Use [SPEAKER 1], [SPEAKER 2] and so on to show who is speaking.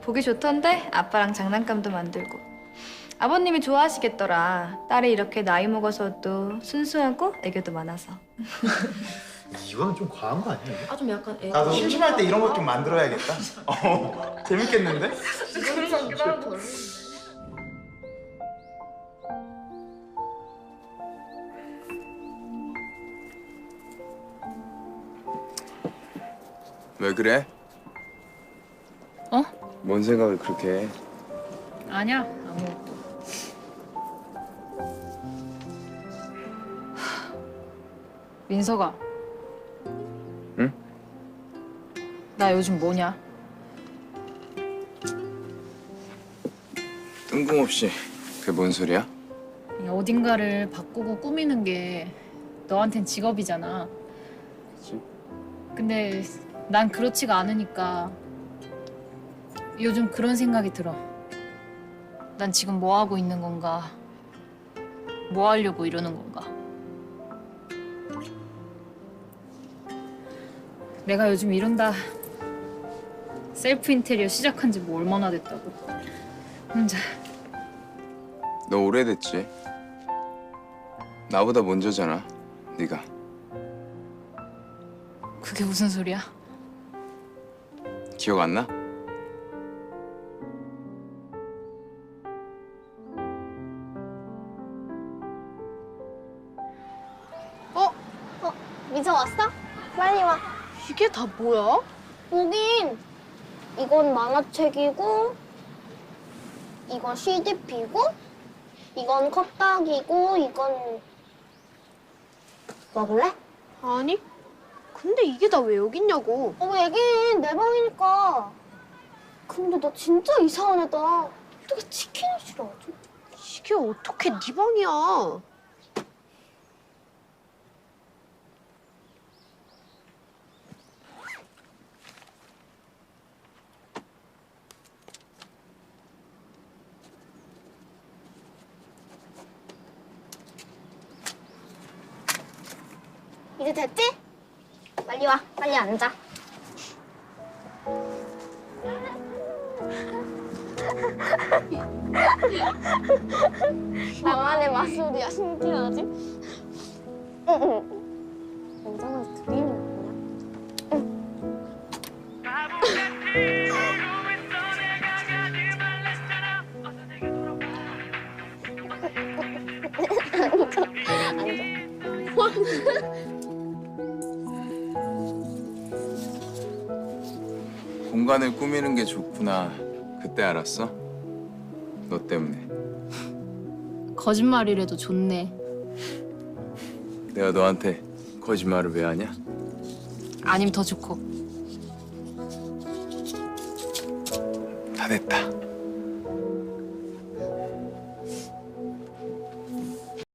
[SPEAKER 1] 보기 좋던데? 아빠랑 장난감도 만들고. 아버님이 좋아하시겠더라. 딸이 이렇게 나이 먹어서도 순수하고 애교도 많아서.
[SPEAKER 2] 이거는 좀 과한 거 아니야? 이게?
[SPEAKER 3] 아 좀 약간 애.
[SPEAKER 2] 나도 심심할 때 이런 것 좀 만들어야겠다. 재밌겠는데?
[SPEAKER 3] 그런 거 같기도 하고.
[SPEAKER 4] 왜 그래?
[SPEAKER 5] 어?
[SPEAKER 4] 뭔 생각을 그렇게 해?
[SPEAKER 5] 아니야, 아무것도. 민서가.
[SPEAKER 4] 응?
[SPEAKER 5] 나 요즘 뭐냐?
[SPEAKER 4] 뜬금없이 그게 뭔 소리야?
[SPEAKER 5] 어딘가를 바꾸고 꾸미는 게 너한텐 직업이잖아.
[SPEAKER 4] 그치?
[SPEAKER 5] 근데 난 그렇지가 않으니까 요즘 그런 생각이 들어. 난 지금 뭐 하고 있는 건가? 뭐 하려고 이러는 건가? 내가 요즘 이런다. 셀프 인테리어 시작한 지 뭐 얼마나 됐다고. 혼자.
[SPEAKER 4] 너 오래됐지? 나보다 먼저잖아, 네가.
[SPEAKER 5] 그게 무슨 소리야?
[SPEAKER 4] 기억 안 나?
[SPEAKER 6] 민서 왔어? 빨리 와.
[SPEAKER 3] 이게 다 뭐야?
[SPEAKER 6] 보긴 이건 만화책이고 이건 CDP고 이건 컵딱이고 이건 먹을래?
[SPEAKER 3] 아니. 근데 이게 다 왜 여기 있냐고.
[SPEAKER 6] 왜긴 내 방이니까. 근데 나 진짜 이상한 애다. 어떻게 치킨을 싫어하지?
[SPEAKER 3] 이게 어떻게 네 방이야?
[SPEAKER 6] 이제 됐지? 빨리 와. 빨리 앉아. 나만의 마술이야. 신기하지? 괜찮아서 들리는 거냐?
[SPEAKER 4] 공간을 꾸미는 게 좋구나. 그때 알았어? 너 때문에.
[SPEAKER 5] 거짓말이라도 좋네.
[SPEAKER 4] 내가 너한테 거짓말을 왜 하냐?
[SPEAKER 5] 아니면 더 좋고.
[SPEAKER 4] 다 됐다.